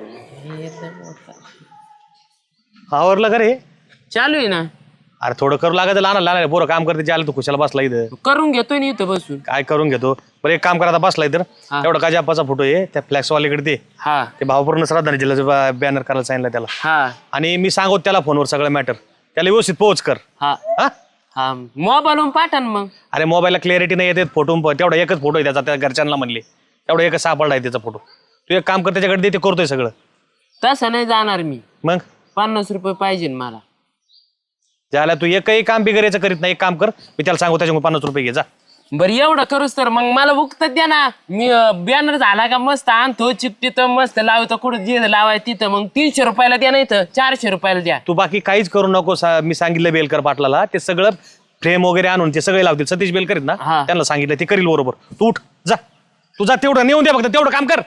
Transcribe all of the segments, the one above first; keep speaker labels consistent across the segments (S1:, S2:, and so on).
S1: आवरलं का रे?
S2: चालू आहे ना.
S1: अरे थोडं करू लागत लहान लहान पोरं काम करते ज्याला तू खुशाला बसला इथं
S2: करून घेतोय ना इथं बसून.
S1: काय करून घेतो बरं एक काम करा आता बसला इथं एवढा काजी आप्पाचा फोटो आहे त्या फ्लॅक्सवाल्याकडे ते
S2: हा
S1: ते भावपूर्ण श्रद्धांजली जिल्ह्याचं बॅनर करायला सांगितलं त्याला
S2: हा
S1: आणि मी सांगतो त्याला फोनवर सगळं मॅटर त्याला व्यवस्थित पोहोच कर
S2: हा
S1: हा
S2: हा मोबाईलवरून पाठा ना मग.
S1: अरे मोबाईलला क्लॅरिटी नाही येते फोटो तेवढा एकच फोटो आहे त्याचा त्या घरच्यांना म्हणले तेवढा एकच सापडला आहे त्याचा फोटो तू एक काम कर त्याच्याकडे दे ते करतोय सगळं
S2: तसं नाही जाणार मी.
S1: मग
S2: 50 रुपये पाहिजे मला.
S1: ज्याला तू एकही काम बिगरायचं करीत नाही एक काम कर मी त्याला सांगू त्याच्यामुळे 50 रुपये घे जा.
S2: बरं एवढं करूच तर मग मला उगत द्या ना. मी बॅनर झाला का मस्त आणतो चिपटीत मस्त लावतो कुठं जे लावाय तिथं मग 300 रुपयाला द्या नाही तर 400 रुपयाला द्या.
S1: तू बाकी काहीच करू नको मी सांगितलं बेलकर पाटलाला ते सगळं फ्रेम वगैरे आणून ते सगळे लावतील सतीश बेलकर आहेत ना
S2: हा.
S1: त्यांना सांगितलं ते करील बरोबर तू उठ जा तू जा तेवढं नेऊन द्या फक्त तेवढं काम कर.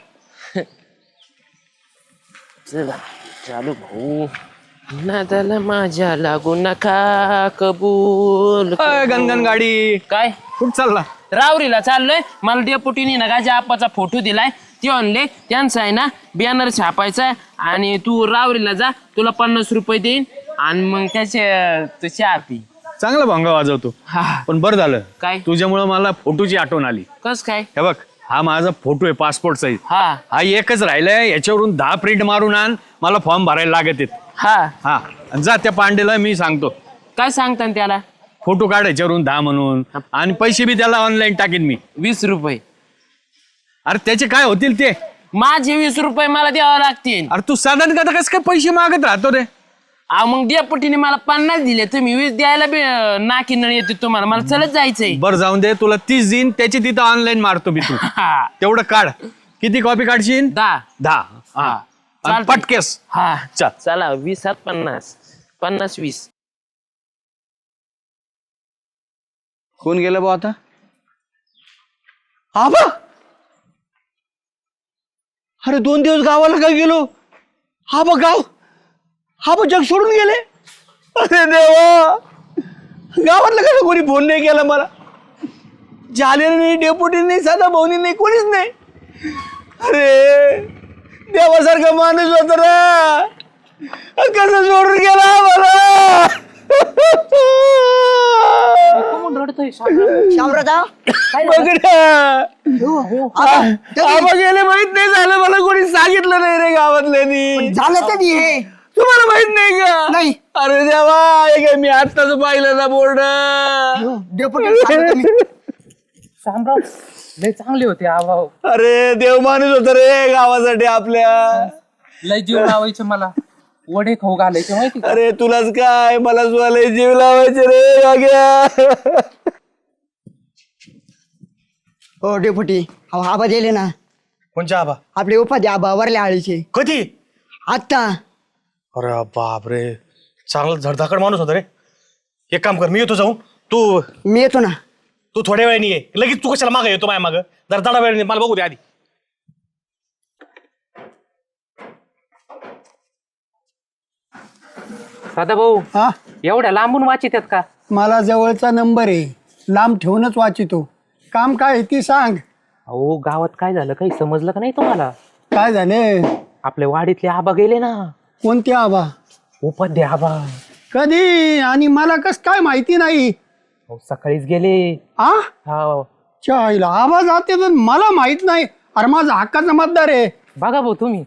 S2: चला चालू भाऊ नादाला माझ्या लागू नका कबूल.
S3: गणगण गाडी
S2: काय
S3: कुठं चालला?
S2: रावरीला चाललोय. मला डेपुटीने ना गाजा आप्पाचा फोटो दिलाय ते आणले त्यांचा आहे ना बॅनर छापायचा आणि तू रावरीला जा तुला 50 रुपये देईन आणि मग त्याचे तू चहा पी.
S3: चांगला भंगा वाजवतो
S2: हा
S3: पण बरं झालं
S2: काय
S3: तुझ्यामुळं मला फोटोची आठवण आली.
S2: कस काय.
S3: हे बघ हा माझा फोटो आहे पासपोर्ट साईज
S2: हा
S3: हा एकच राहिलाय याच्यावरून 10 प्रिंट मारून आण मला फॉर्म भरायला लागत आहेत.
S2: हा
S3: हा आणि जा त्या पांडेला मी सांगतो
S2: काय सांगता त्याला.
S3: फोटो काढ याच्यावरून 10 म्हणून आणि पैसे बी त्याला ऑनलाईन टाकेन मी.
S2: 20 रुपये
S3: अरे त्याचे काय होतील ते.
S2: माझे 20 रुपये मला द्यावं लागतील.
S3: अरे तू साधारण कथा कसं काय पैसे मागत राहतो रे.
S2: मग डेपुटीने मला 50 दिले तुम्ही 20 द्यायला बी नाकी नळ येते तुम्हाला. मला चलत जायचंय.
S3: बरं जाऊन दे तुला 30 देईन त्याची तिथं ऑनलाईन मारतो मी तू
S2: हा
S3: तेवढं काढ. किती कॉपी काढशील?
S2: 10.
S3: 10 हा आणि
S2: चालतंय.
S3: पटकेस
S2: हा
S3: चल.
S2: चला 20 50 50 20.
S3: कोण गेलं बा आता? आबा अरे 2 दिवस गावाला काय गेलो हा बा गाव हा बा जग सोडून गेले. अरे देवा गावातलं कसं कोणी फोन नाही केला मला. झालेलं नाही डेपुटी नाही साधा भाऊनी नाही कोणीच नाही. अरे देवासारखा माणूस होता ना कसं सोडून गेला मला. गेले माहित नाही झालं मला कोणी सांगितलं नाही रे गावातल्यानी.
S4: झालं कधी हे
S3: तुम्हाला माहित नाही का?
S4: नाही.
S3: अरे देवा हे काय मी आत्ताच पाहिलं ना बोर्ड.
S2: शामराव लय चांगले होते आभाव.
S3: अरे देव माणूस होत रे गावासाठी आपल्या.
S2: लय जीव लावायचे मला वडे खाऊ घालायचे माहिती का?
S3: अरे तुलाच काय मला सुद्धा जीव लावायचे रे गाग्या.
S4: हो डेपुटी अहो आबा दिले ना
S1: कोणच्या आबा
S4: आपले उपाधी आबा वरल्या आळीचे
S1: कधी?
S4: आत्ता.
S1: अरे बाप रे चांगला धडधाकड माणूस होता रे. एक काम कर मी येतो जाऊन तू
S4: मी येतो ना.
S1: तू थोड्या वेळाने ये लगेच तू कशाला मागं येतो माझ्या मागं जरा थोडा वेळ मला बघू दे आधी.
S2: दादा भाऊ
S5: हा
S2: एवढ्या लांबून वाचित का?
S5: मला जवळचा नंबर आहे लांब ठेवूनच वाचितो. काम काय आहे ती सांग.
S2: अहो गावात काय झालं काही समजलं का नाही तुम्हाला?
S5: काय झाले?
S2: आपल्या वाडीतले आबा गेले ना.
S5: कोणते आबा?
S2: उपाध्ये आबा.
S5: कधी आणि मला कस काय माहिती नाही.
S2: अहो, सकाळीच गेले.
S5: आ
S2: हा
S5: चायला आबा जाते तर मला माहित नाही. अरे माझा हक्काचा मतदार आहे.
S2: बघा भाऊ तुम्ही.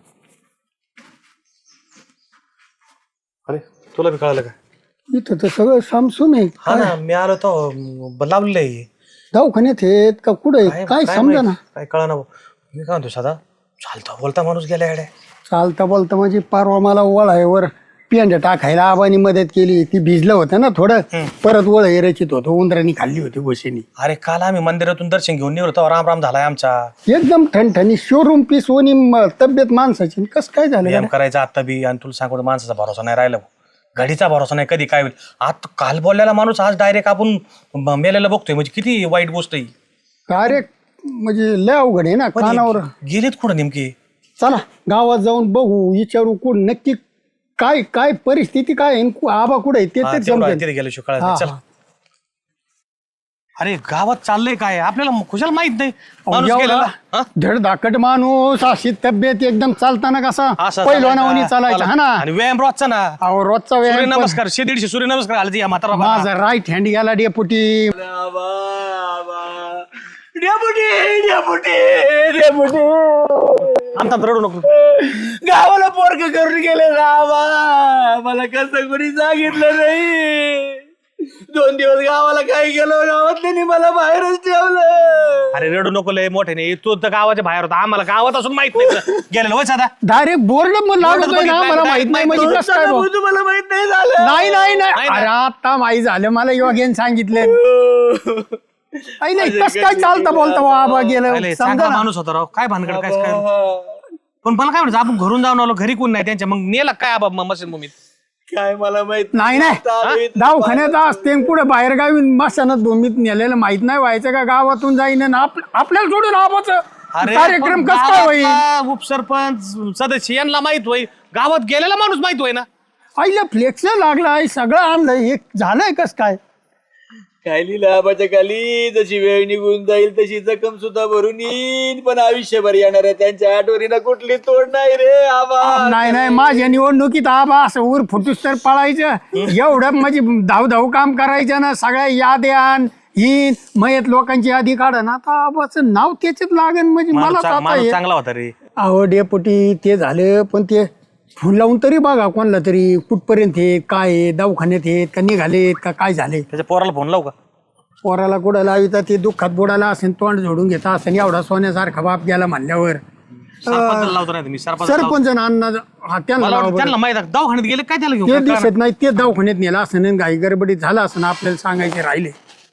S1: अरे तुला बी कळालं का?
S5: इथं तर सगळं सामसूम आहे.
S1: हा ना मी आलो तो लावलेलं आहे.
S5: दवाखान्यात आहेत का कुठे काय समजा ना.
S1: काय कळा ना मी काय म्हणतो साधा चालता बोलता माणूस गेला येड्या.
S5: चालता बोलता म्हणजे परवा मला वळायवर पेंड टाकायला आबानी मदत केली. ती भिजलं होतं ना थोडं परत वळ रचित होतं उंदरांनी खाल्ली होती गोशीनी.
S1: अरे काल आम्ही मंदिरातून दर्शन घेऊन निघलो राम राम झालाय आमचा.
S5: एकदम ठणठणी शोरूम पीस ओनी तब्येत माणसाची. कसं काय झालं
S1: व्यायाम करायचा आता बी आणि तुला सांगतो माणसाचा भरोसा नाही राहिला. घडीचा भरोसा नाही कधी काय होईल. आता काल बोललेला माणूस आज डायरेक्ट आपण मेलेला बघतोय म्हणजे किती वाईट गोष्ट आहे.
S5: कार्य म्हणजे लय अवघड आहे ना. कानावर
S1: गेलेत कुठं नेमके?
S5: चला गावात जाऊन बघू विचारू कोण नक्की काय काय परिस्थिती काय आहे, आबा कुठे आहे ते तर समजेल.
S1: तिथे गेलो कळायचं. चल अरे गावात चाललंय काय आपल्याला खुशाल माहित नाही माणूस गेलेला हा?
S5: धडधाकट माणूस अशी तब्येत एकदम चालताना कसा
S1: असं
S5: पहिलवानावणी चालायचा हा ना.
S1: आणि व्यायाम रोजचा ना
S5: अहो रोजचा व्यायाम पण-
S1: सूर्यनमस्कार 150 सूर्यनमस्कार आले या म्हातारा
S5: माझा राईट हँड गेला डेपुटी.
S1: आमचा रडू नको
S3: गावाला पोरग करून गेले रावा. मला कसं कोणी सांगितलं नाही. 2 दिवस गावाला काय गेलो गावातल्यानी मला बाहेरच ठेवलं.
S1: अरे रडू नको लय मोठे नाही तू तर गावाच्या बाहेर होता आम्हाला गावात असून माहित नाही गेलेलं होय साधा
S5: डायरेक्ट बोर्ड लागतोय ना मला माहित नाही म्हणजे कसं काय भाऊ?
S3: तुम्हाला माहित नाही झालं.
S5: नाही नाही नाही
S1: नाही,
S5: अरे आता माहित झालं मला योग्याने सांगितलं. नाही कसं काय चालतं बोलता बाबा गेलं
S1: पहिले
S5: समजा
S1: चांगला
S5: ना.
S1: माणूस होता राव काय भानगड काय काय पण मला काय म्हणायचं आपण घरून जाऊन आलो घरी कोण नाही त्यांच्या मग नेला काय आबा मशीन भूमीत
S3: काय मला माहित
S5: नाही नाही दवाखान्यात असते पुढे बाहेर गावी मशानात भूमीत नेलेलं माहित नाही व्हायचं का गावातून जाईन आणि आपल्याला सोडून आबाचं कार्यक्रम कसं काय होईल?
S1: उपसरपंच सदस्य यांना माहित होई गावात गेलेला माणूस माहित होय ना
S5: आईला फ्लेक्स लागलाय सगळं आणलंय हे झालंय कस काय?
S3: काय लिहिलं आबाच्या खाली जशी वेळ निघून जाईल तशी जखम सुद्धा भरून येईल पण आयुष्यभर येणार आहे त्यांच्या आठवणीला कुठली तोड नाही रे आबा.
S5: नाही नाही माझ्या निवडणुकीत आबा असं ऊर फुटूस तर पळायचं एवढं म्हणजे धाव काम करायचं ना सगळ्या याद्यान ही मयत लोकांची यादी काढन आता आबाचं नाव त्याच्यात लागेल म्हणजे मला
S1: माणूस चांगला होता रे
S5: अहो डेपुटी ते झालं पण ते फुल लावून तरी बघा कोणाला तरी कुठपर्यंत आहेत काय आहे दवाखान्यात आहेत का निघालेत का काय झाले.
S1: त्याच्या पोराला फोन लावू का
S5: पोराला कुठं लाविता ते दुःखात बुडाला असेल तोंड जोडून घेता असेल एवढा सोन्यासारखा बाप गेला म्हणल्यावर
S1: सरपंचाला लावतो नाही मी सरपंच
S5: सरपंच अण्णा त्यांना
S1: मला
S5: लावा
S1: वाटतं
S5: बरं.
S1: त्यांना माहित आहे दवाखान्यात गेले काय त्याला
S5: ते
S1: घेऊन
S5: दिसत नाही ते दवाखान्यात नेला असं आणि घाई गडबडीत झाला असं आपल्याला सांगायचे राहिले.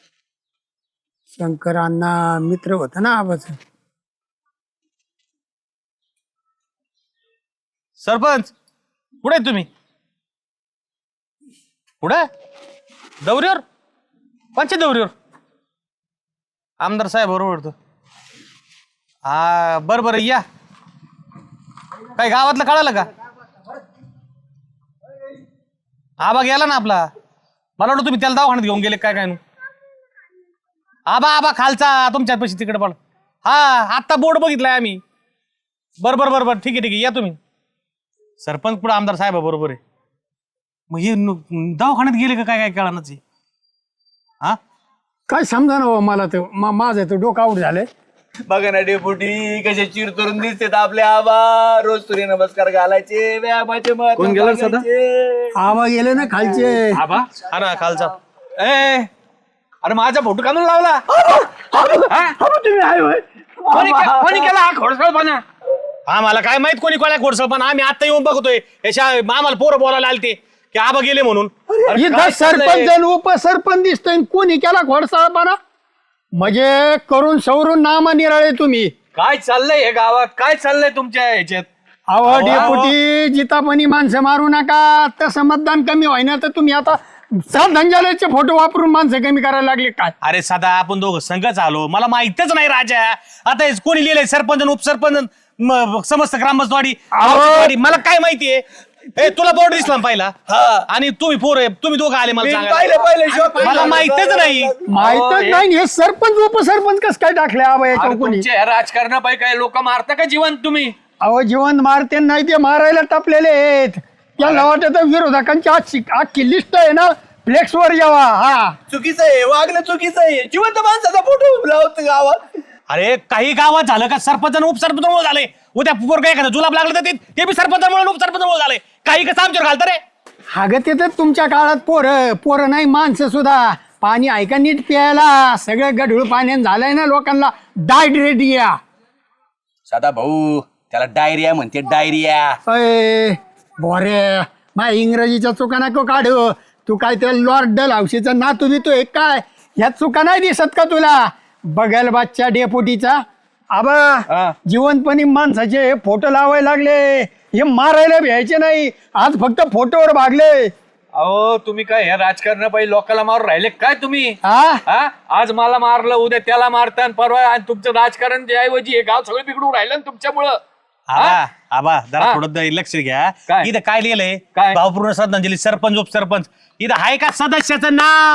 S5: शंकर अण्णा मित्र होता ना आबाच.
S1: सरपंच कुठे तुम्ही कुठे दौऱ्यावर पंचायत दौऱ्यावर आमदार साहेब बरोबर हा बरं या काय गावातलं कळालं का आबा गेला ना आपला मला वाटतं तुम्ही त्याला दवाखान्यात घेऊन गेले काय काय नु आबा खालचा तुमच्यात पैसे तिकडे पड हा आत्ता बोर्ड बघितलाय आम्ही बरोबर ठीक आहे या तुम्ही सरपंच पुढे आमदार साहेब बरोबर आहे मग हे दवाखान्यात गेले का काय काय कळानच हा
S5: काय समजा ना मला तर माझं तर डोकं आऊट झालंय.
S3: बघा ना डेपुटी कसे चिरतरून दिसतात आपले आबा. रोज सूर्य नमस्कार घालायचे व्यायामाचे महत्त्व
S1: कोण गेलं सदा?
S3: सांगायचे.
S5: आबा गेले ना खालचे.
S1: आबा हा ना खालचा
S3: अरे माझा फोटो का म्हणून लावला
S5: तुम्ही आहे होय?
S1: कोणी केला हा खोडसळपणा हा मला काय माहित कोणी कोणा खोडसळपणा आम्ही आता येऊन बघतोय याच्या आम्हाला पोरं बोलायला आलते की आबा गेले म्हणून
S5: इथं सरपंच आणि उपसरपंच दिसतोय कोणी केला घोडसाळपणा म्हणजे करून सवरून नामा निराळे तुम्ही.
S3: काय चाललंय हे गावात काय चाललंय तुमच्या ह्याच्यात.
S5: अहो डेपुटी जितापणी माणसं मारू नका तसं मतदान कमी व्हायना तर तुम्ही आता श्रद्धांजलीचे फोटो वापरून माणसं कमी करायला लागले काय?
S1: अरे सदा आपण दोघं संघच आलो मला माहितच नाही राजा आता हे कोणी लिहिलंय सरपंच आणि उपसरपंच समस्त ग्रामस्थवाडी मला काय माहितीये तुला बोर्ड दिसला ना पहिला आणि तुम्ही तुम्ही दोघं आले मला सांगायला. मला माहितच नाही
S5: माहितच नाही हे सरपंच उपसरपंच कसं काय टाकले आबा याच्यावर कोणी?
S3: राजकारणापायी काय लोक मारता का जीवन तुम्ही.
S5: अहो जीवन मारते नाही ते मारायला टपलेले आहेत त्यांना वाटत विरोधकांची अख्खी लिस्ट आहे ना फ्लेक्स वर यावा. हा
S3: चुकीचं आहे वागणं चुकीचं आहे. जिवंत माणसाचा फोटो लावत गावात.
S1: अरे काही गावात झालं का सरपंच आणि उपसरपंच झाले उद्या पोरगा एखादा जुलाब लागलं तर ते बी सरपंचामुळे उपसरपंचामुळे झाले काही कसं आमच्यावर घालतं रे.
S5: अगं ते तर तुमच्या काळात पोरं नाही माणसं सुद्धा पाणी ऐका नीट प्यायला सगळं गढूळ पाण्यानं झालंय ना लोकांना डायरिया.
S3: सदा भाऊ त्याला डायरिया म्हणते डायरिया.
S5: अय बोरे मा इंग्रजीच्या चुका नको काढू तू काय त्या लॉर्ड डलहौसीचा नातू बितोय काय ह्या चुका नाही दिसत का तुला? बगल बादच्या डेपुटीचा आबा जिवंतपणी माणसाचे फोटो लावायला लागले हे मारायला भ्यायचे नाही आज फक्त फोटोवर भागले.
S3: अहो तुम्ही काय ह्या राजकारणापायी लोकांना मारून राहिले काय तुम्ही.
S5: हा
S3: आज मला मारलं उद्या त्याला मारता परवा आणि तुमचं राजकारण जे ऐवजी हे गाव सगळं बिघडून राहिलं ना तुमच्यामुळं.
S1: आबा जरा थोडं लक्ष घ्या
S3: काय?
S1: इथं काय लिहिलंय
S3: काय?
S1: भावपूर्ण श्रद्धांजली सरपंच उपसरपंच इथं आहे का सदस्याचं नाव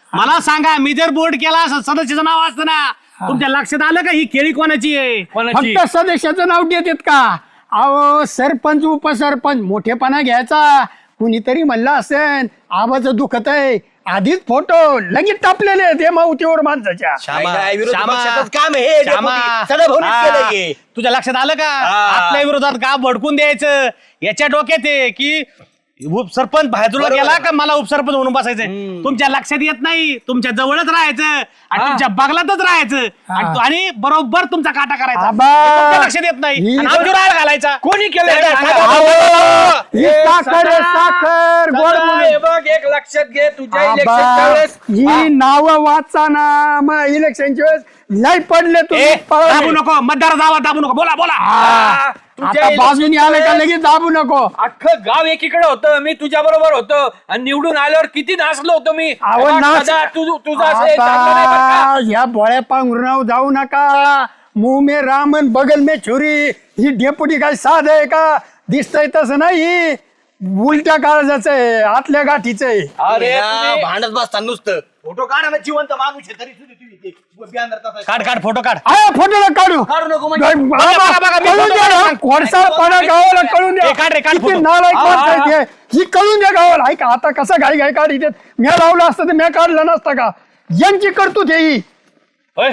S1: मला सांगा, मी जर बोर्ड केला असं सदस्याचं नाव असतं ना, तुमच्या लक्षात आलं का ही केळी कोणाची आहे? कोणाची?
S5: फक्त सदस्याचं नाव देतात का? अहो सरपंच उपसरपंच मोठेपणा घ्यायचा. कुणीतरी म्हणलं असेल आबाचं दुखत आहे, आधीच फोटो लगेच टापलेले ते मावतीवर माणसाच्या.
S1: श्यामा,
S3: काय विरोधी
S1: श्यामा,
S3: पक्षाचंच काम आहे हे,
S1: श्यामा.
S3: डेपुटी. सदाभाऊनीच
S1: हा.
S3: केलंय हे.
S1: तुझ्या लक्षात आलं का?
S3: हा.
S1: आपल्या विरोधात का भडकून द्यायचं? याच्या डोक्यात आहे की उपसरपंच बाजूला
S3: बरोबर
S1: गेला
S3: आहे.
S1: का मला उपसरपंच म्हणून बसायचंय. तुमच्या लक्षात येत नाही, तुमच्या जवळच राहायचं आणि तुमच्या बगलातच राहायचं आणि बरोबर तुमचा काटा करायचा.
S5: आबा.
S1: हे तुमच्या लक्षात येत नाही
S5: ही
S1: आणि आमच्यावर आळ घालायचा.
S3: कोणी केलंय
S1: हे
S3: ते
S1: सांगा.
S3: सांगा.
S1: अहो.
S5: ही साखर आहे, साखर गोड
S3: सदा,
S5: बोलून.
S3: हे बघ एक लक्षात घे तुझ्या
S5: आबा,
S3: इलेक्शनच्या वेळेस
S5: ही नावं वाचाना मग इलेक्शनच्या वेळेस लय पडले
S1: ए,
S5: तुम्ही
S1: दाबू नको, मतदार जावा, दाबू नको. बोला बोला.
S5: हा.
S3: तुझ्या
S5: आता बाजूनी
S3: इलेक्शनच्या
S5: आलं का
S3: वेळेस
S5: लगेच दाबू नको.
S3: अख्खं गाव एकीकडे होतं, मी तुझ्या बरोबर होतो आणि निवडून आल्यावर किती नाचलो होतो मी.
S5: अहो,
S3: हे बघ,
S5: नाच-
S3: सदा, तुझं असं हे चाललं नाही बरं का?
S5: आता ह्या बोळ्या पांघरुणावर जाऊ नका. मुंह में रामन बगल में छुरी. ही डेपुटी काय साध आहे का? दिसतंय तसं नाही, उलट्या काळजाचं आहे, आतल्या गाठीचं आहे.
S3: अरे तुम्ही भांडत बसता नुसतं. फोटो काढा ना, जिवंत माणूस आहे तरी सुद्धा तुम्ही ते banner तसा-
S1: काढ काढ फोटो काढ.
S5: आया फोटोला काढू.
S3: काढू नको म्हणजे.
S1: बघा, बघा, मी
S5: कळून
S1: फोटो
S5: द्या ना.
S1: काढतो.
S5: खोडसाळपणा गावाला कळून द्या.
S1: ए, काढ रे, काढ
S5: किती
S1: फोटो.
S5: नालायक
S3: हा,
S5: माणसं
S3: हा,
S5: आहेत हे. ही कळून द्या गावाला. ऐका आता कसं घाई घाई काढ म्या लावलं असतं तर म्या काढलं नसतं का? यांची करतूत ही.
S1: होय.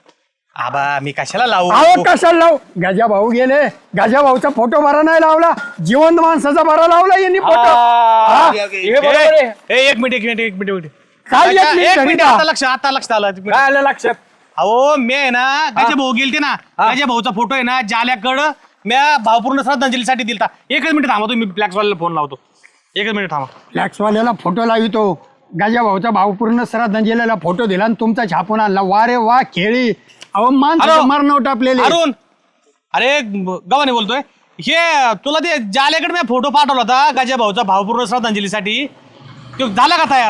S1: आबा मी कशाला लावू?
S5: अहो कशाला लावू? गजा भाऊ गेले, गजा भाऊचा फोटो बरा नाही लावला, जिवंत माणसाचा बरा लावला यांनी फोटो. हा?
S3: हे बरोबर आहे.
S1: एक मिनिट एक मिनिट
S5: काय
S1: अच्छा,
S5: एक मिनिट
S1: एक
S5: तरी
S1: मिनिट
S5: का?
S1: आता लक्षात आलं.
S3: काय आलं लक्षात?
S1: अहो मी आहे ना गजा भाऊ गेलते ना, गजा भाऊचा फोटो आहे ना जाल्याकडं म्या भावपूर्ण श्रद्धांजलीसाठी दिलता. एकच मिनिट थांबा, तुम्ही फ्लॅक्सवाल्याला फोन लावतो. एकच मिनिट थांबा.
S5: फ्लॅक्सवाल्याला फोटो लावितो. गजा भाऊचा भावपूर्ण श्रद्धांजलीला फोटो दिला आणि तुमचा छापून आणला. वा रे वा खेळी. अहो माणसं
S1: हॅलो.
S5: मरणं टापलेले.
S1: अरुण, अरे गव्हाणे बोलतोय. हे तुला ते जाल्याकडे मी फोटो पाठवला होता गजा भाऊचा भावपूर्ण श्रद्धांजलीसाठी. तो झाला का तयार?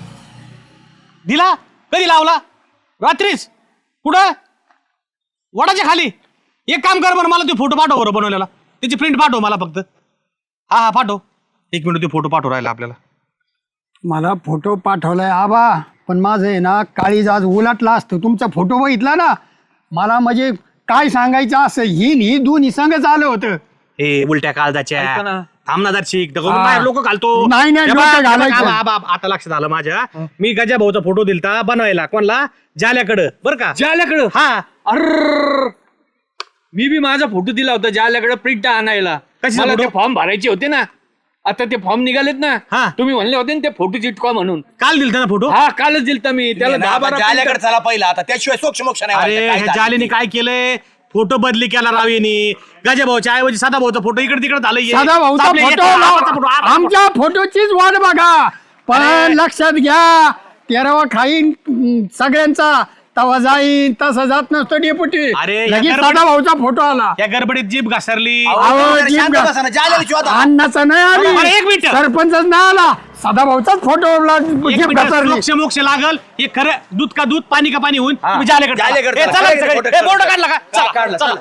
S1: दिला? कधी लावला? रात्रीच? कुठं? वडाच्या खाली. एक काम कर बरं, मला ते फोटो पाठव बरं बनवलेला. त्याची प्रिंट पाठव मला फक्त. हा पाठव. एक मिनिट, ते फोटो पाठव राहिला आपल्याला.
S5: मला फोटो पाठवलाय आबा, पण माझं आहे ना काळीज आज उलटला असतं. तुमचा फोटो बघितला ना, मला म्हणजे काय सांगायचं असं ही दोन्ही संगच आलं होतं.
S1: हे उलट्या काळजाच्या
S3: ऐका ना.
S1: थांबणार शिक
S5: हा.
S1: लोक घालतो.
S5: नाही, नाही,
S1: हे
S5: डोकं
S1: बघ,
S5: घालायचं.
S1: आबा, आता लक्षात आलं माझ्या. मी गजा भाऊचा फोटो दिलता बनवायला. कोणला? जाल्याकडं बरं का.
S3: जाल्याकडं?
S1: हा.
S3: अर्र मी बी माझा फोटो दिला होता जाल्याकडे प्रिंट आणायला.
S1: कशाचा
S3: मला
S1: फोटो?
S3: ते फॉर्म भरायचे होते ना, आता ते फॉर्म निघालेत ना.
S1: हा.
S3: तुम्ही म्हणले होते ना ते फोटो चिटकवा म्हणून.
S1: काल दिलता ना फोटो.
S3: हा कालच दिलता मी त्याला 10-12
S6: जाल्याकडे चला पहिला आता त्याशिवाय सोक्ष मोक्ष नाही
S1: अरे
S6: व्हायचं. काय
S1: ह्या
S6: झालं
S1: जालेने
S6: ते?
S1: काय केलंय? फोटो बदली केला राव यांनी. गजा भाऊच्या ऐवजी साधा भाऊचा फोटो इकडे तिकडे झालं.
S5: साधा भाऊचा फोटो आमच्या फोटोचीच वाट बघा. पण लक्षात घ्या, तेरावा खाईन सगळ्यांचा तवा जाईन. तसं जात नसतो डेपुटी.
S1: अरे, या
S5: लगेच
S1: गडबड-
S5: साधा भाऊचा फोटो आला.
S1: या गडबडीत जीभ घसरली.
S5: अहो,
S6: जरा
S5: जीभ
S6: शांत
S5: गा-
S6: बसा ना, जाल्याला शिवाय आता.
S5: अन्नाचा नाही
S1: अरे,
S5: आली,
S1: एक मिनिट.
S5: सरपंचच नाही आला, साधा भाऊचाच फोटो
S1: एक मिनिट, मोक्ष मोक्ष लागल. हे खरं दूध का दूध, पाणी का पाणी होऊन तुम्ही जाल्याकडे
S6: जाल्याकडे
S1: ए,
S6: चला.
S1: चला,
S6: सगळे
S1: सगळे.
S6: फोटो
S1: ए, बोर्ड काढला का? चला,
S6: काढला,
S1: चला.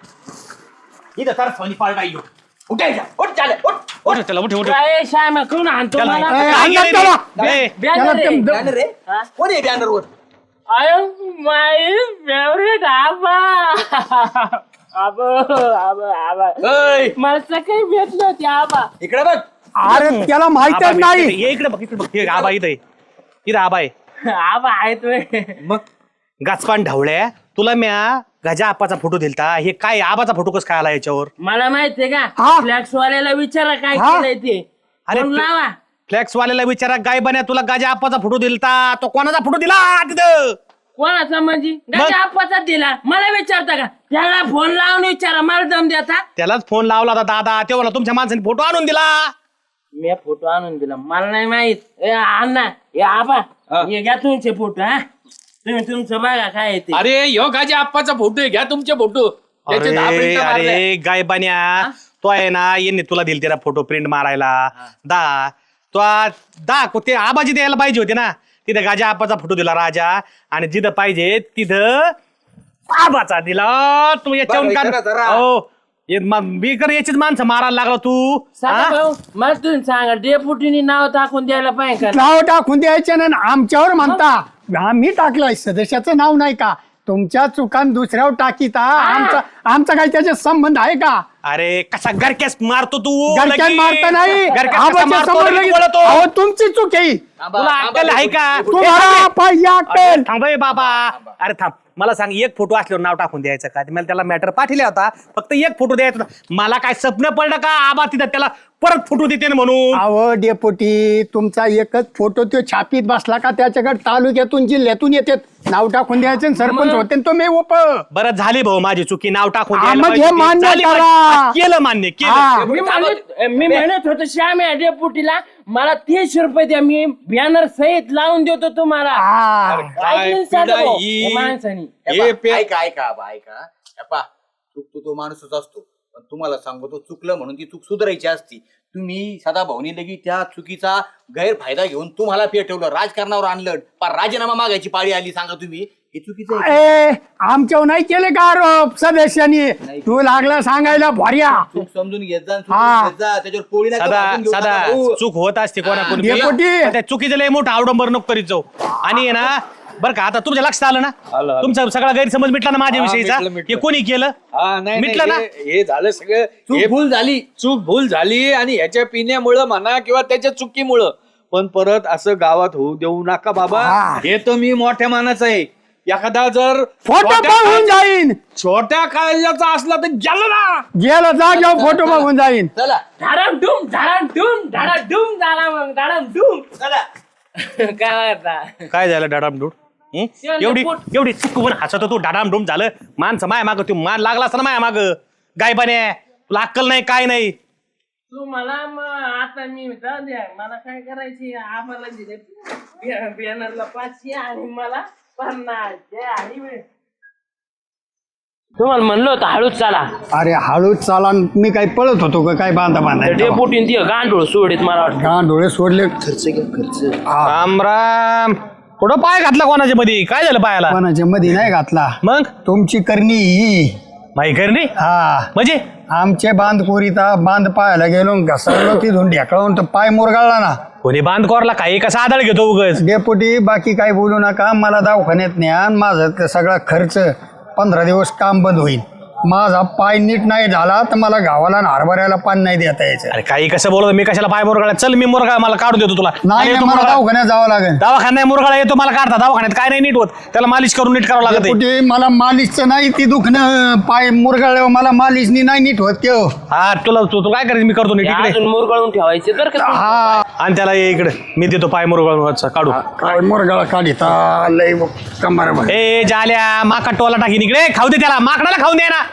S6: इथं तर सोनी पाळटा येऊ. उठायच्या, उठ जाल्या, उठ.
S1: उठ, चला, उठ, उठ.
S2: काय श्याम कोण आणतो
S1: चला.
S2: मला?
S1: काय
S5: आणलं
S1: केलं
S5: त्याला.
S1: रे? ए,
S2: बॅनर आहे.
S6: बॅनर रे कोण आहे बॅनरवर?
S2: आय माय फेवरेट आबा. आबा आबा आबा
S3: ऐ,
S2: मला सकाळी भेटलं होते आबा.
S6: इकडे बघ.
S5: अरे त्याला
S1: आबा,
S5: माहितच नाही.
S1: ये इकडे बघ, इकडे बघ. हे आबा इथं आहे. इथं आबा आहे.
S2: आबा आहे तुम्ही.
S3: मग
S1: गाचपान ढवळ्या. तुला म्या गजा आपाचा फोटो दिलता. हे काय आबाचा फोटो कसं काय आला याच्यावर?
S2: मला माहितीये का
S5: हा.
S2: फ्लॅक्स वाल्याला विचारा काय
S5: हा.
S2: केलंय ते.
S1: अरे,
S2: फोन लावा.
S1: फ्लॅक्स वाल्याला विचारा, गाय बन्या तुला गजा आपाचा फोटो दिलता. तो कोणाचा फोटो दिला तिथं?
S2: कोणाचा म्हणजे गाडी आपाचा दिला. मला विचारता का? त्याला फोन लावून विचारा. मला दम देता.
S1: त्यालाच फोन लावला होता दादा. तेव्हा तुमच्या माणसाने फोटो आणून दिला.
S2: मी फोटो आणून दिला. मला नाही माहित. ए अण्णा हे आबा हे घ्या तुमचे फोटो. हा तुम्ही तुमचं बघा काय आहे ते.
S3: अरे ह्यो गाजी आप्पाचा फोटो आहे, घ्या तुमचे फोटो. त्याचे 10
S1: अरे
S3: print मारले.
S1: अरे गाय बन्या, तो आहे ना यांनी तुला दिल त्याला फोटो प्रिंट मारायला. ते आबाजी द्यायला पाहिजे होते ना. तिथं गाजा आपाचा फोटो दिला राजा, आणि जिथं पाहिजे तिथं आबाचा दिला. तू याच्यावरून
S6: बरं, जरा, जरा.
S1: हो मी कर याचीच माणसं मारायला लागला तू
S2: सांगा
S1: हा?
S2: भाऊ मला तुम्ही सांगा डेपुटीने नाव टाकून द्यायला पाहिजे का
S5: नाव टाकून द्यायचे ना आमच्यावर म्हणता आम्ही टाकलंय सदस्याचं नाव नाही का तुमच्या चुकान दुसऱ्यावर टाकीता आमचा काही त्याच्यात संबंध आहे का
S1: अरे कसा गरक्यास मारतो तू
S5: घरच्यात
S1: लगेच.
S5: मारता नाही
S1: गरक्यास कसा
S5: आबाच्या
S1: मारतो,
S5: समोर
S1: लगेच
S5: लगेच-
S1: बोलतो.
S5: अहो, तुमची चूक आहे
S1: तुला अक्कल आहे का
S5: तुम्हाला पाहिजे अक्कल.
S1: थांब हे बाबा अरे थांब मला सांग एक फोटो असल्यावर नाव टाकून द्यायचं का मला त्याला मॅटर पाठवला होता फक्त एक फोटो द्यायचा होता मला काय स्वप्न पडलं का आबा तिथं त्याला परत फोटो देते ना म्हणून
S5: अहो डेपोटी तुमचा एकच फोटो तो छापीत बसला का त्याच्याकडे तालुक्यातून जिल्ह्यातून येतात नाव टाकून द्यायचे आणि सरपंच होते आणि तो मी उप
S1: बरं झाली भाऊ माझी चुकी नाव टाकून
S5: हा,
S1: द्यायला
S5: मग हे
S1: पाहिजे होती.
S5: मान्य
S1: झाली
S5: करा.
S1: माझी. केलं मान्य केलं
S2: मी म्हणत होतो श्याम या डेपुटीला मला 30 रुपये द्या मी बॅनर सहित लावून देतो तुम्हाला ऐकलं साधं भाऊ, या माणसानी
S6: ऐका ऐका आबा ऐका अप्पा चुकतो तो माणूसच असतो पण तुम्हाला सांगतो चुकलं म्हणून ती चूक सुधारायची असती तुम्ही सदा भाऊनी लगी त्या चुकीचा गैरफायदा घेऊन तुम्हाला पेटवलं राजकारणावर आणलं पण राजीनामा मागायची पाळी आली सांगा तुम्ही हे चुकीचं आहे.
S5: आमच्यावर नाही केले का आरोप सदस्यांनी तू लागला सांगायला भर्या
S6: चूक समजून घेत जा आणि
S5: हा.
S6: चुकून घेत जा त्याच्यावर पोळी नका
S1: सदा
S6: भाजून घेऊ
S1: सदा
S6: नका भाऊ.
S1: चूक होत असते कोणाकोणी
S5: डेपुटी.
S1: पण त्या चुकीचं लय मोठं आवडंबर नको करीत जाऊ आणि आहे ना बरं का आता तुमच्या लक्षात आलं ना तुमचा सगळा गैरसमज मिटला ना माझ्या विषयीचा हे कोणी केलं मिटलं ना
S3: हे झालं सगळं
S6: चूक भूल झाली
S3: चूक भूल झाली आणि ह्याच्या पिण्यामुळं म्हणा किंवा त्याच्या चुकीमुळं पण परत असं गावात होऊ देऊ नका बाबा हे तर मी मोठ्या मानाचं आहे एखादा जर
S5: फोटो बघून जाईन
S3: छोट्या काळजाचा असला तर गेलं ना
S5: गेला जाग्यावर फोटो बघून जाईन
S6: चला
S2: धडाडूम झाला मग धडाडूम
S6: चला
S2: काय करता
S1: काय झालं डाडामडूड एवढी चुकून हसत तू डाडामडूम झालं माणसं माया माग तू मान लागला असं ना माया माग गायबाने तुला अक्कल नाही काय नाही
S2: तू मला मग आता मी जाऊ द्या मला काय करायची आम्हाला दिले बॅनरला 500 आणि मला 50 आणि तुम्हाला म्हणलं होतं हळूच चाला
S5: अरे हळूच चाला मी काय पळत होतो का काय बांधा बांधा
S2: डेपुटीन ती गांडूळ सोडीत मला वाटतं
S5: गाण डोळे सोडले
S1: राम राम कुठं पाय घातला कोणाच्या मध्ये काय झालं पायाला
S5: कोणाच्या मध्ये नाही घातला
S1: मग
S5: तुमची करणी ही
S1: माही करणी
S5: हा
S1: म्हणजे
S5: आमचे बांध कोरीता बांध पाहायला गेलो घसरलो तिथून ढेकळून तर पाय मुरगाळला ना
S1: कोणी बांध कोरला काही कसा आदळ घेतो उगच
S5: डेपुटी बाकी काही बोलू नका मला दवाखान्यात न्या माझं ते सगळा खर्च 15 दिवस काम बंद होईल माझा पाय नीट नाही झाला तर मला गावाला आणि हरभऱ्याला पाणी नाही देता यायचं
S1: अरे काही कसं बोलतो मी कशाला पाय मुरगाळा चल मी मुरगाळा मला काढून देतो तुला
S5: नाही
S1: येतो
S5: नाही, मला
S1: मुरगाळा.
S5: दवाखान्यात जावं लागेल
S1: दवाखान्यात मुरगाळा येतो मला काढता दवाखान्यात काय नाही नीट होत त्याला मालिश करून नीट करावं लागत आहे.
S5: डेपुटी मला मालिशचं नाही ती दुखणं पाय मुरगाळल्यावर मला मालिशनी नाही नीट होत त्यो
S1: हा तुला तू काय करायचं मी करतो नीट इकडे
S2: अजून मुरगळून ठेवायचे तर का
S5: हा
S1: आणि त्याला ये इकडे मी देतो पाय मुरगाळून काढू
S5: काय मुरगाळा काढिता लय कमर
S1: ए जाल्या माका टोला टाकीन इकडे खाऊ दे त्याला माकडाला खाऊन दे ना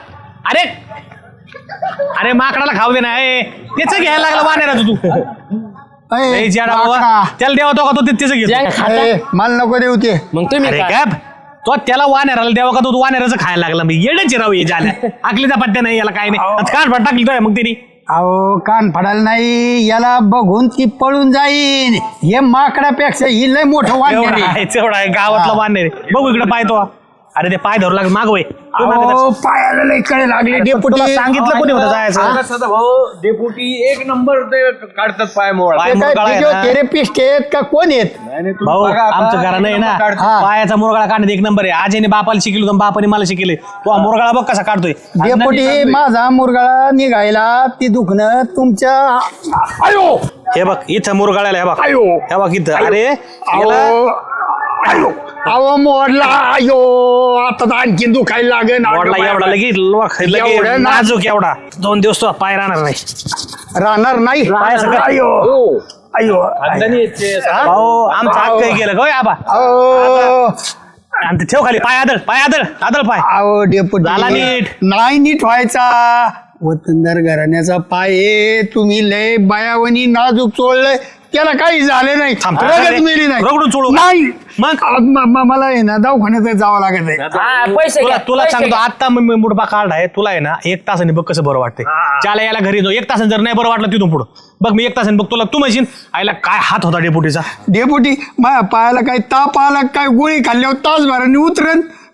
S1: अरे माकडाला खाऊ दे ना ए त्याच घ्यायला लागलं वाण्याला तू ए, जाडा बाबा त्याला देवा तो का तो त्याचं घेतो
S5: मला नको देऊ ते
S2: मग तुम्ही
S1: अरे
S2: काय?
S1: काय तो त्याला वाण्याराला देवा का तो वाण्याराचं खायला लागला मी येडच राहू ये जाल्या आकलीचा पत्त्या नाही याला काय नाही कान फट टाकली तो मग त्यांनी
S5: अहो कान फडायला नाही याला बघून ती पळून जाईन हे माकडापेक्षा ही लय मोठं
S1: एवढा
S5: वाटण
S1: आहे तेवढा आहे गावातला वाणे रे बघू इकडे पाय तो अरे ते पाय धरू लागले मागवय
S5: पायाला लय कडे लागले डेपुटी
S1: सांगितलं कोणी होतं जायचं
S3: सदा भाऊ डेपुटी एक नंबर ते काढतात पाय मोळा
S1: पाय
S5: ते काय
S1: मुरगाळा आहे ना.
S5: थेरपिस्ट आहेत का कोण आहेत
S1: भाऊ आमचं घरानं आहे ना पायाचा मुरगाळा काढण्यात एक नंबर आहे आजीने बापाला शिकलो होतं बापाने मला शिकले तो मुरगाळा बघ कसा काढतोय
S5: डेपुटी माझा मुरगाळा निघायला ती दुखणं तुमच्या आयो
S1: हे बघ इथं मुरगाळ्याला हे बघ
S5: आयो
S1: हे बघ इथं अरे याला-
S5: अहो आयो अहो मोडला आयो आता तर आणखी दुखायला लागेल
S1: वाढला एवढा लगेच
S5: एवढं ना-
S1: नाजूक एवढा 2 दिवस तो पाय राहणार नाही
S5: राहणार नाही
S1: पायाचं काय?
S5: आयो आयो
S1: भाऊ आमचं हक्क गेलं गो आबा
S5: अहो
S1: आणि ते ठेव खाली पाय आदळ पाय
S5: अहो डेपुटी
S1: झाला नीट.
S5: नाही नीट व्हायचा वतनदार घराण्याचा पाय आहे. तुम्ही लय बायावणी नाजूक चोळलंय त्याला काही झाले नाही
S1: थांब,
S5: रगत मिळली नाही
S1: रगडून चोळू का?
S5: नाही
S1: मग?
S5: मला आहे ना दवाखान्यात जावं लागत आहे
S2: हा, पैसे
S1: तुला
S2: घ्या,
S1: तुला
S2: पैसे
S1: सांगतो
S2: घ्या.
S1: आता मी मुडपा काढ आहे तुला आहे ना 1 तासाने बघ कसं बरं वाटतंय ज्याला याला घरी जाऊ 1 तासाने जर नाही बरं वाटलं तिथून पुढं बघ मी 1 तासाने बघ तुला तू म्हणशील आईला काय हात होता डेपुटीचा
S5: डेपुटी माझ्या पायाला काही ताप आला काय गोळी खाल्ल्यावर तासभराने उतरन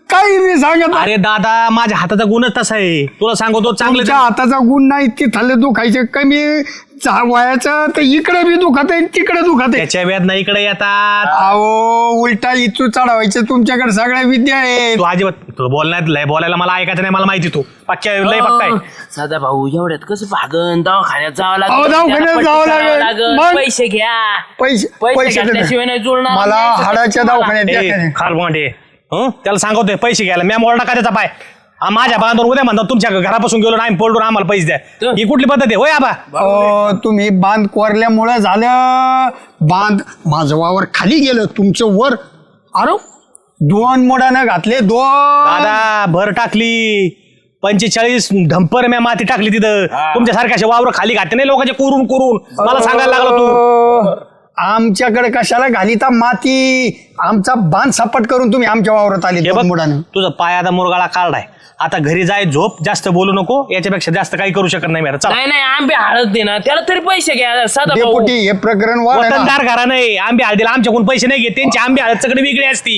S5: काही मी सांगत
S1: अरे दादा माझ्या हाताचा गुणच तसा आहे, तुला सांगतो चांगलं
S5: तुमच्या हाताचा गुण नाही तिथले दुखायचे कमी वयाचं तर इकडे बी दुखत आहे तिकडे दुखत आहे.
S1: त्याच्या वेदना इकडे येतात.
S5: अहो उलटा इचू चढवायचे तुमच्याकडे सगळ्या विद्या आहेत.
S1: तू अजिबात तू बोलण्यात लय बोलायला मला ऐकायचं नाही, मला माहिती तू पक्क्या लय पक्का आहे.
S2: साधा भाऊ एवढ्यात कसं भागन, दवाखान्यात जावं
S5: अहो, दवाखान्यात जावं लागेल. मग?
S2: पैसे घ्या.
S5: पैसे
S2: पैसे घातल्याशिवाय नाही जुळणार.
S5: मला हाडाच्या दवाखान्यात
S1: ए,
S5: द्या.
S1: खारबोंडे त्याला सांगतोय पैसे घ्यायला मी मोडा का त्याचा पाय माझ्या बांधून उद्या म्हणतात तुमच्या घरापासून गेलो नाही पडून आम्हाला पैसे द्या. ही कुठली पद्धत आहे होय आबा?
S5: तुम्ही बांध कोरल्यामुळे झालं. बांध माझं वावर खाली गेलं तुमचं वर. अरे 2 मोडानं घातले 2.
S1: दादा भर टाकली 45 ढंपर मी माती टाकली तिथं. तुमच्यासारख्या असे वावर खाली घातले नाही लोकांचे कोरून कोरून मला सांगायला लागला तू.
S5: आमच्याकडे कशाला घालीता माती? आमचा बांध सपाट करून तुम्ही आमच्या वावरात आले
S1: हे बघ,
S5: 2 मोडानं.
S1: तुझा पाय आता मुरगाळा काढलाय. आता घरी जाय झोप, जास्त बोलू नको, याच्यापेक्षा जास्त काही करू शकत नाही मी. चला
S2: नाही आंबे हळद दे ना, त्याला तरी पैसे घ्या साधा भाऊ.
S5: डेपुटी हे प्रकरण वाढ आहे ना.
S1: वतनदार घरा नाही आंबे हळदीला आमच्याकडून पैसे नाही घेत, त्यांची आंबे हळद सगळे वेगळी असती.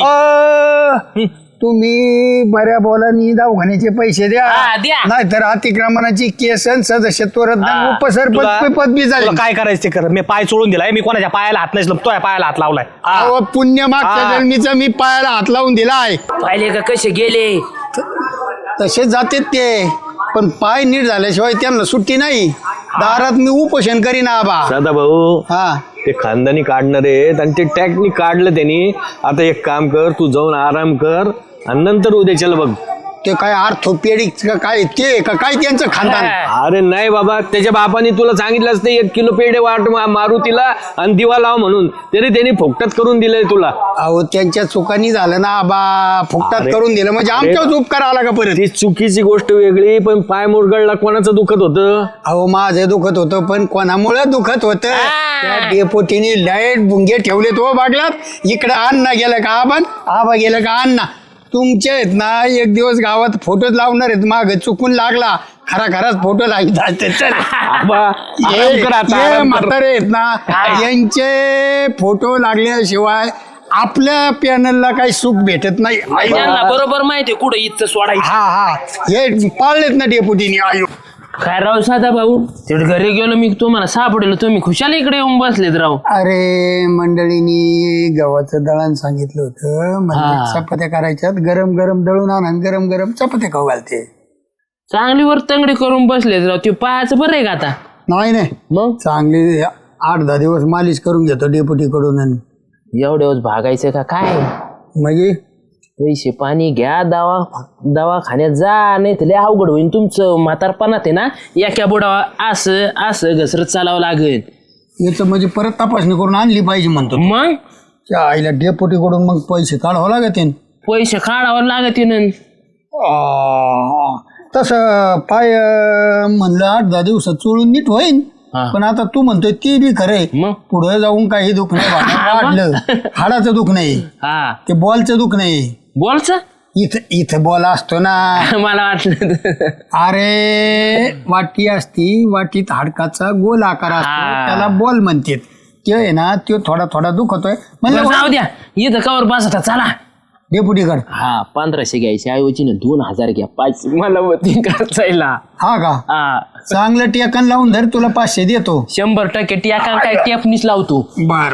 S5: तुम्ही बऱ्या बोलानी दवाखान्याचे पैसे द्या,
S2: हा, द्या.
S5: नाहीतर अतिक्रमणाची केस आणि सदस्यत्व रद्द
S1: तुला-
S5: उपसरपंच पदवी झाली.
S1: तुला काय करायचं ते कर. मी पाय चोळून दिलाय, मी कोणाच्या पायाला हात नाही तो पायाला हात लावलाय. हा.
S5: अहो, पुण्य मागच्या
S1: हा.
S5: जन्मीचा मी पायाला हात लावून दिलाय.
S2: पाहिले का कसे गेले.
S5: तसे जाते ते, पण पाय नीट झाल्याशिवाय त्यांना सुट्टी नाही. दारात मी उपोषण करीन आबा.
S3: दादा भाऊ
S5: हा
S3: ते खानदानी काढणार आहेत आणि ते टॅक्नी काढलं त्यांनी. आता एक काम कर, तू जाऊन आराम कर आणि नंतर उद्याच्याला बघ.
S5: ते काय आर्थोपेडिक काय ते का काय त्यांचं खानदान.
S3: अरे नाही बाबा, त्याच्या बापाने तुला सांगितलं असतं 1 किलो पेढे वाट मारू तिला आणि दिवा लाव म्हणून, तरी त्यांनी फोकटात करून दिलंय तुला.
S5: अहो त्यांच्या चुकांनी झालं ना आबा, फुकटात
S3: अरे,
S5: करून दिलं म्हणजे आमच्याच उपकार आला का परत.
S3: ती चुकीची गोष्ट वेगळी, पण पाय मुरगळला कोणाचं दुखत होतं?
S5: अहो माझं दुखत होतं, पण कोणामुळे दुखत होतं? त्या डेपोटीने लाईट बुंगे ठेवले तो बागलात. इकडे अण्णा गेलं का आबा गेलं का अण्णा. तुमचे आहेत ना, एक दिवस गावात फोटोच लावणार आहेत. माग चुकून लागला, खराच फोटो लावित असते. चल
S3: आबा, आराम कर आता, आराम कर.
S5: म्हातारे आहेत ना, यांचे फोटो लागल्याशिवाय आपल्या पॅनलला काही सुख भेटत नाही.
S2: त्यांना बरोबर माहितीये कुठं इथं सोडायचं.
S5: हा हे पाळलेत ना डेपुटीने. आयो
S2: काय राव साधा भाऊ, तेवढे घरी गेलो मी तुम्हाला सापडलो, तुम्ही खुशाल इकडे येऊन बसलेत राव.
S5: अरे मंडळीनी गव्हाचं दळण सांगितलं होतं, म्हणजे चपात्या करायच्यात. गरम गरम दळून आणा, गरम गरम चपात्या खाऊ घालते.
S2: चांगली वर तंगडी करून बसलेत राव. ते पायाचं बरं आहे का आता?
S5: नाही
S2: मग
S5: चांगली 8-10 दिवस मालिश करून घेतो डेपुटी कडून. आणि
S2: एवढ्यावर भागायचं का काय?
S5: म्हणजे
S2: पैसे पाणी घ्या, दवाखान्यात जा, नाही तर लय अवघड होईल तुमचं. म्हातारपणात आहे ना, एका बुडावा असं घसरत चालावं लागेल.
S5: याचं म्हणजे परत तपासणी करून आणली पाहिजे म्हणतो.
S2: मग
S5: त्या आईला डेपुटी कडून मग पैसे काढावं लागत.
S2: पैसे काढावं लागत ना.
S5: तसं पाय म्हणलं 8-10 दिवसात चोळून नीट होईन. पण आता तू म्हणतोय ते बी खरंय.
S2: मग
S5: पुढे जाऊन काही दुख नाही वाढलं. हाडाचं दुख नाही,
S2: हा
S5: ते बॉलचं दुख नाही.
S2: बोलच
S5: इथं बॉल असतो ना.
S2: मला वाटलं
S5: अरे वाटी असती, वाटीत हाडकाचा गोल आकार असतो, त्याला बॉल म्हणतात. ते आहे ना, तो थोडा दुखतोय म्हणजे
S2: जाऊ द्या, इथं कवर बसता चला.
S5: डेपुटीकड.
S2: हा 1500 घ्यायचे ऐवजी ना 2000 घ्या. 5 मला होती खर्चायला.
S5: हा का?
S2: हा
S5: चांगलं टेकन लावून धर, तुला 500 देतो.
S2: 100% टियाका काय टेपनीच लावतो.
S5: बर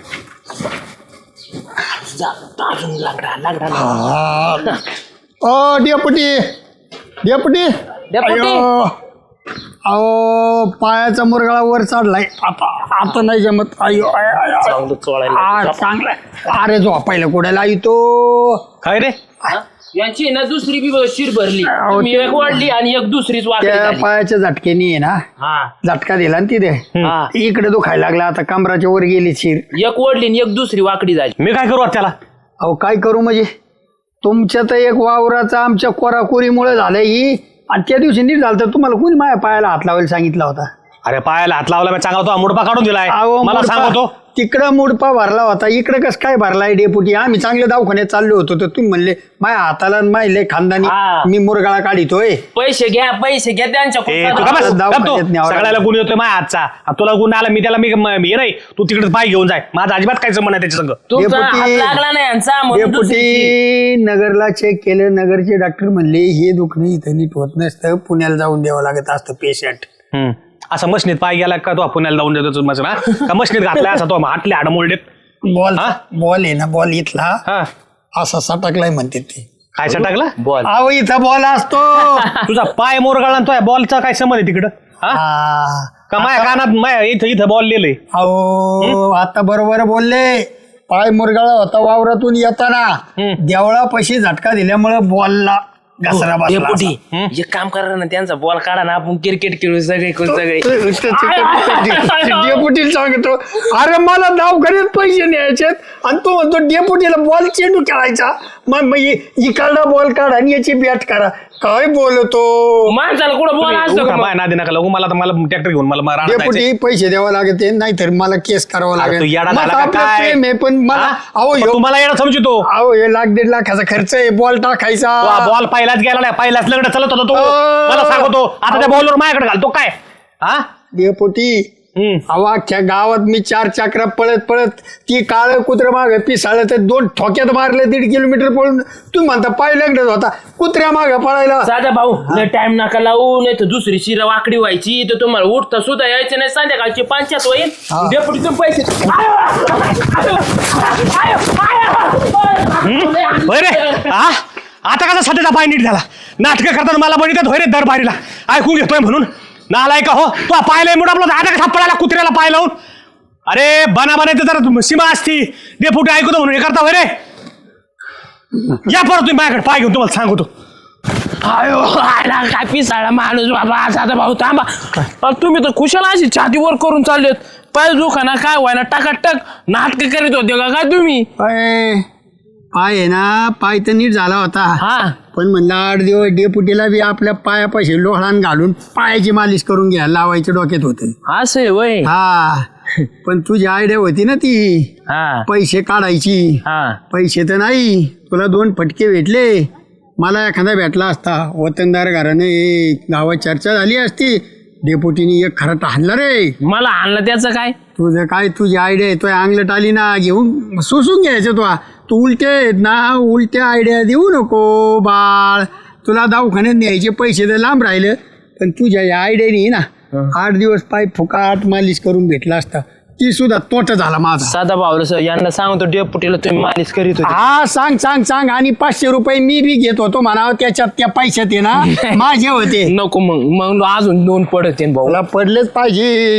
S5: ओ डेपुटी डेपुटी अयो. अहो पायाचा मुरगाळा वर चढलाय. आता नाही जमत. अयो चांगला. अरे झोपायला कुडायला येतो
S1: काय रे?
S2: यांची ना दुसरी बी शिर भरली. मी एक वाढली आणि एक दुसरीच वाकडी
S5: त्या
S2: झाली.
S5: पायाच्या झटकेनी आहे ना,
S2: हा
S5: झटका दिला ना तिथे.
S2: हा.
S5: इकडे दुखायला लागला, आता कमराच्या वर गेली शिर.
S2: एक ओढली आणि एक दुसरी वाकडी झाली.
S1: मी काय करू आता त्याला?
S5: अहो काय करू म्हणजे, तुमच्या तर एक वावराचा आमच्या कोराकोरीमुळे झालंय ही. आणि त्या दिवशी नीट झालं तर तुम्हाला कोणी माझ्या पायाला हात लावायला सांगितला होता?
S1: अरे पायाला हात लावला मी चांगला तो मुडपा काढून दिलाय
S5: अहो,
S1: मला
S5: मुडपा-
S1: सांगतो
S5: तिकडं मुडपा भरला होता इकडं कसं काय भरलाय डेपुटी आम्ही चांगल्या दवाखान्यात चाललो होतो तर तुम्ही म्हणले माझ्या हाताला माहिले खानदानी
S2: हा.
S5: मी मुरगाळा काढितोय
S2: पैसे घ्या त्यांच्या
S1: ए, तू का
S2: कुठं-
S1: बस?
S5: दवाखान्यात
S1: गप तू.
S5: न्यावं
S1: सगळ्याला गुण येतोय माझ्या हातचा आता तुला गुण आला मी त्याला हे नाही तू तिकडे पाय घेऊन जाय माझा अजिबात काय संबंध आहे त्याच्या संग
S2: तुमचा
S5: डेपुटी-
S2: हात लागला नाही यांचा म्हणून दुसरी-
S5: डेपुटी नगरला चेक केलं नगरचे डॉक्टर म्हणले हे दुखणं इथं नीट होत नसतं पुण्याला जाऊन द्यावं लागत असतं पेशंट.
S1: हम्म. असं मशनीत पाय गेला का तो पुण्याला जाऊन देतो मशीन हा का मशनीत घातलाय असा तो हातले हाड मोडलेत
S5: बॉल
S1: हा?
S5: बॉल आहे ना बॉल इथला
S1: हा
S5: असा सटकलाय म्हणते ते.
S1: काय टाकला
S2: बॉल
S5: अहो इथं बॉल असतो
S1: तुझा पाय मोरगाळला तो बॉलचा काय संबंध आहे तिकडं हा
S5: हा.
S1: का माझ्या कानात इथं इथं बॉल लिहिलंय
S5: अहो आता बरोबर बोलले पाय मुरगाळा होता वावरातून येताना देवळापाशी झटका दिल्यामुळे बॉलला घसरा बसला
S2: डेपुटी
S5: असा.
S2: एक काम करा ना त्यांचा बॉल काढा ना आपण क्रिकेट खेळू सगळे
S5: डेपुटीला सांगतो अरे मला दवाखान्यात पैसे न्यायचेत आणि तो म्हणतो डेपुटीला बॉल चेंडू खेळायचा मग इकडला बॉल काढा आणि याची बॅट करा काय बोलतो
S2: माणसाला कुठं बॉल असतो का मग?
S1: माझ्या नादी नका लागू मला तर मला ट्रॅक्टर घेऊन मला रानात जायचंय.
S5: डेपुटी पैसे द्यावं लागते नाहीतर मला केस करावं
S1: अरे तू
S5: लागेल
S1: येडा
S5: मग
S1: झाला का
S5: आपलं
S1: काय?
S5: प्रेम आहे, पण मला
S1: हा?
S5: अहो
S1: पण
S5: ह्यो-
S1: तू मला येणं समजतो
S5: अहो हे 1,00,000-1,50,000 खर्च आहे बॉल टाकायचा
S1: बॉल पहिलाच गेला नाही पहिलाच लग्न चालत होता तो मला सांगतो आता त्या बॉलवर माझ्याकडे घालतो काय हा
S5: डेपुटी
S1: हम्म.
S5: अहो अख्ख्या गावात मी 4 चक्रा पळत ती काळ कुत्र्या मागे पिसाळलं तर 2 ठोक्यात मारले 1.5 किलोमीटर पळून तुम्ही म्हणता पाय लग्नच होता कुत्र्या मागे पळायला
S2: साधा भाऊ लय टाइम नका लावू नाही तर दुसरी शिरा वाकडी व्हायची तर तुम्हाला उठता सुद्धा यायचं नाही संध्याकाळची 5 होईल डेपुटी तुम्ही पैसे
S1: होय रे हा आता कसा सध्याचा पाय नीट झाला नाटक करताना मला बनितात होय रे दरबारीला ऐकून घेतोय म्हणून नालाय का हो तू पाहिलंय मुडा आपला आता कसा पळाला कुत्र्याला पाय लावून अरे बना बनायचं जरा सीमा असती डेपुटी ऐकतो म्हणून हे करता होय रे या परत तुम्ही माझ्याकडे पाय घेऊन तुम्हाला सांगतो
S2: आयो आला काय पिसाळा माणूस बाबा साधा भाऊ थांबा अरे तुम्ही तर खुशाला अशी छातीवर करून चाललेत पाय दुखाना काय व्हायना टाकाटक नाटक करीत होते का काय तुम्ही
S5: पाय आहे ना पाय तर नीट झाला होता
S2: हा
S5: पण म्हणलं 8 दिवस डेपुटीला बी आपल्या पायापाशी लोहळान घालून पायाची मालिश करून घ्या लावायच्या डोक्यात होते
S2: असं आहे वय
S5: हा पण तुझी आयडिया होती ना ती
S2: हा
S5: पैसे काढायची
S2: हा
S5: पैसे तर नाही तुला 2 फटके भेटले मला एखादा भेटला असता वतनदार घराने गावात चर्चा झाली असती डेपुटीने एक खरं हाणला रे
S2: मला आणलं त्याचं काय
S5: तुझं काय तुझी आयडिया आहे तो अंगलट आली ना घेऊन सुसून घ्यायचं तू उलटे आहेत ना उलट्या आयडिया देऊ नको बाळ तुला दवाखान्यात न्यायचे पैसे तर लांब राहिलं पण तुझ्या या आयडियाने ना 8 दिवस पाय फुकाट मालिश करून भेटला असता ती सुद्धा तोटा झाला माझा
S2: साधा भाऊ सर यांना सांगतो डेपुटीला तुम्ही मालिश करीत होते
S5: हा सांग आणि 500 रुपये मी बी घेत होतो म्हणावं त्याच्यात त्या पैशात आहे ना माझे होते
S2: नको मग अजून 2 पडत भाऊ
S5: तुला पडलेच पाहिजे